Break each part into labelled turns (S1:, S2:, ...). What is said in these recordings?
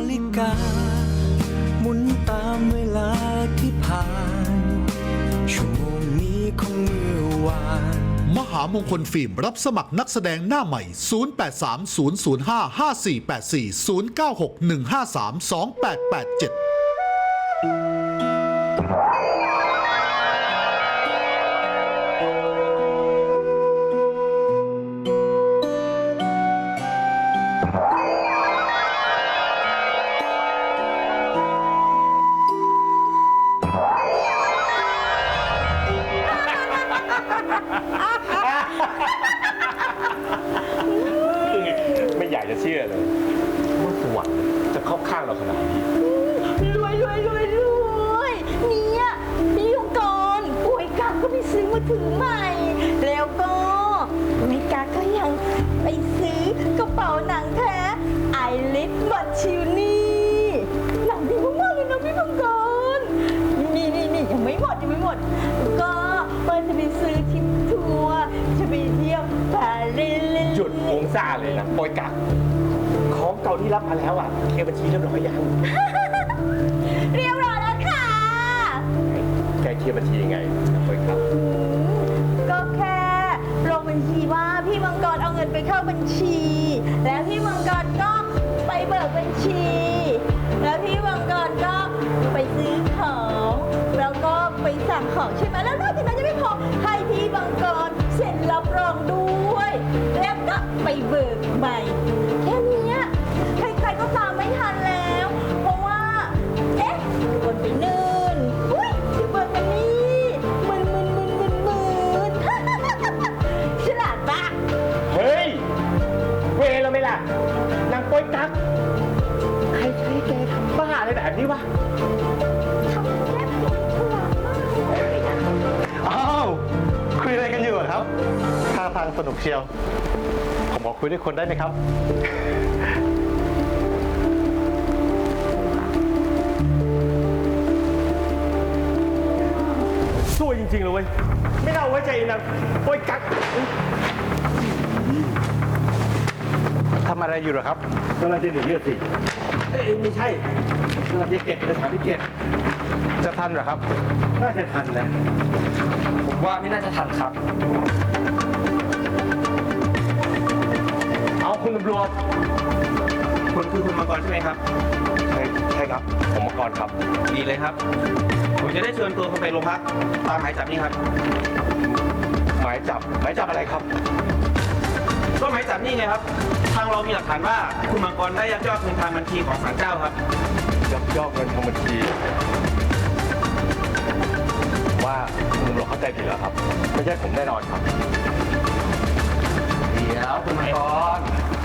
S1: ฬิกาหมุนตามเวลาที่ผ่านชั่วโมงนี้ของเมื่อวาน
S2: มหามงคลฟิล์มรับสมัครนักแสดงหน้าใหม่ 0830055484 0961532887
S3: ไม่อยากจะเชื่อเลยว่าสวรรค์จะเข้าข้างเราขนาดนี้
S4: รวยเนี่ยพี่ยุงกรป่วยกักก็ไปซื้อมือถือใหม่ แล้วก็ไม่กักก็ยังไปซื้อกระเป๋าหนังแท้ไอริสบัตชิวนี่หนังดีมากๆเลยนะพี่ยุงกรนี่ยังไม่หมดก็ว่าจะไปซื้อทริปทัวร์จะไปเที่ยวปารีส
S3: หยุดโงซ่าเลยนะปอยกักของเก่าที่รับมาแล้วอ่ะเคลียร์บัญชีเรียบร้อยยัง
S4: เรียบร้อยแล้วค่ะ
S3: แกเคลียร์บัญชียังไงปอยกัก
S4: ก็แค่ลงบัญชีว่าพี่มังกรเอาเงินไปเข้าบัญชี แล้วพี่มังกรก็ไปเบิกบัญชี แล้วพี่มังกรก็ไปซื้อของแล้วก็ไปสั่งของใช่ไหมแล้วนอกจากนั้นยังไม่พอให้พี่มังกรเซ็นรับรองด้วยแล้วก็ไปเบิกใหม่แค่เนี้ยใครๆก็ตามไม่ทันแล้ว เพราะว่าคนไปนื่นอุ้ยเดี๋ยวเบิกกันนี่มึนฉลาดปะ
S3: เฮ้ยเวรเราไหมล่ะนางปอยกักใครใช้แกทำบ้าอะไรแบบนี้วะ
S4: ทำแค่ฉลาดมากเลยนะ
S5: อ้าวคุยอะไรกันอยู่อะครับท่าทางสนุกเชียว ผมขอคุยด้วยคนได้ไหมครับ
S3: สวยจริงๆเลยเว้ยไม่น่าไว้ใจนางปอยกัก
S5: ทำอะไรอยู่เหรอครับ
S3: กำลังจะหนีเลือดสิไม่ใช่กำลังจะเก็บเอกสารที่เก็บ
S5: จะทันเหรอครับ
S3: น่าจะทันนะ
S5: ผมว่าไม่น่าจะทันครับ
S3: เอาคุณตำรวจคุณคือคุณมังกรใช่ไหมครับใช่ครับผมมังกรครับดีเลยครับผมจะได้เชิญตัวคุณไปโรงพักตามหมายจับนี่ครับหมายจับอะไรครับก็หมายจับนี่ไงครับทางเรามีหลักฐานว่าคุณมังกรได้ยักยอกเงินทางบัญชีของศาลเจ้าครับยักยอกเงินทางบัญชีว่าคุณตำรวจเข้าใจผิดแล้วครับไม่ใช่ผมแน่นอนครับเดี๋ยวคุณมังกร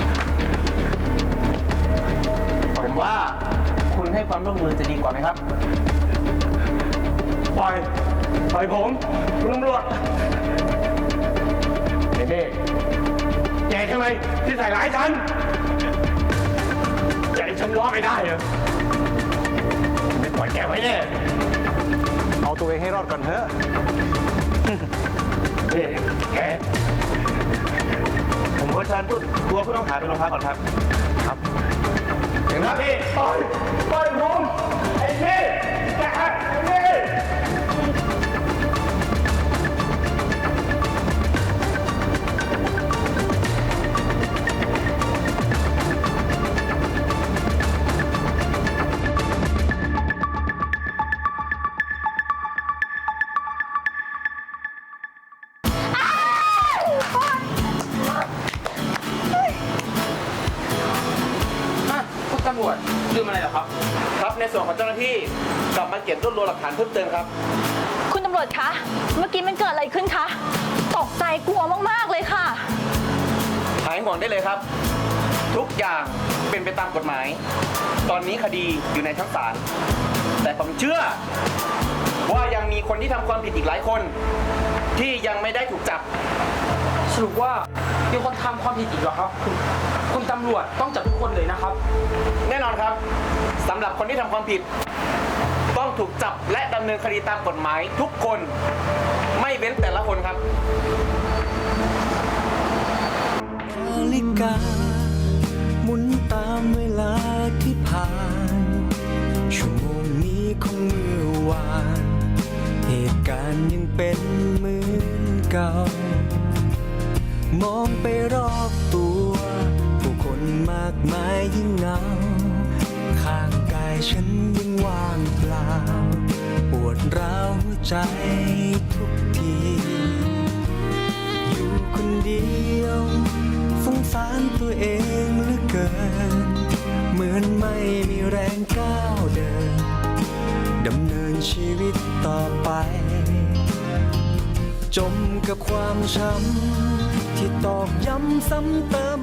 S3: ผมว่าคุณให้ความร่วมมือจะดีกว่าไหมครับปล่อยผมคุณตำรวจเน่แกใช่ไหมที่ใส่ร้ายฉันใจฉันรอดไม่ได้เหรอไม่ปล่อยแกไว้แน่
S5: เอาตัวเองให้รอดก่อนเถอะ
S3: นี่แกผมขอเชิญตัวผู้ต้องหาไปโรงพักก่อนครับครับถึงแล้วพี่ปล่อยผมไอ้พี่แกไอ้พี่
S6: คุณตำรวจลืมอะไรเหรอครับ
S3: ครับในส่วนของเจ้าหน้าที่กลับมาเก็บรวบรวมหลักฐานเพิ่มเติมครับ
S4: คุณตำรวจคะ เมื่อกี้มันเกิดอะไรขึ้นคะ ตกใจกลัวมากๆเลยค่ะ
S3: หายห่วงได้เลยครับ ทุกอย่างเป็นไปตามกฎหมาย ตอนนี้คดีอยู่ในชั้นศาลแต่ผมเชื่อว่ายังมีคนที่ทำความผิดอีกหลายคน ที่ยังไม่ได้ถูกจับ
S6: สรุปว่ามีคนทำความผิดอีกเหรอครับ คุณตำรวจต้องจับทุกคนเลยนะครับ
S3: แน่นอนครับสำหรับคนที่ทำความผิด ต้องถูกจับและดำเนินคดีตามกฎหมายทุกคนไม่เว้นแต่ละคนครับ
S1: นาฬิกาหมุนตามเวลาที่ผ่านมองไปรอบตัว ผู้คนมากมายยิ่งเหงา ข้างกายฉันยิ่งว่างเปล่า ปวดร้าวหัวใจทุกที อยู่คนเดียวสงสารตัวเองเหลือเกิน เหมือนไม่มีแรงก้าวเดิน ดำเนินชีวิตต่อไป จมกับความช้ำที่ตอกย้ำซ้ำเติม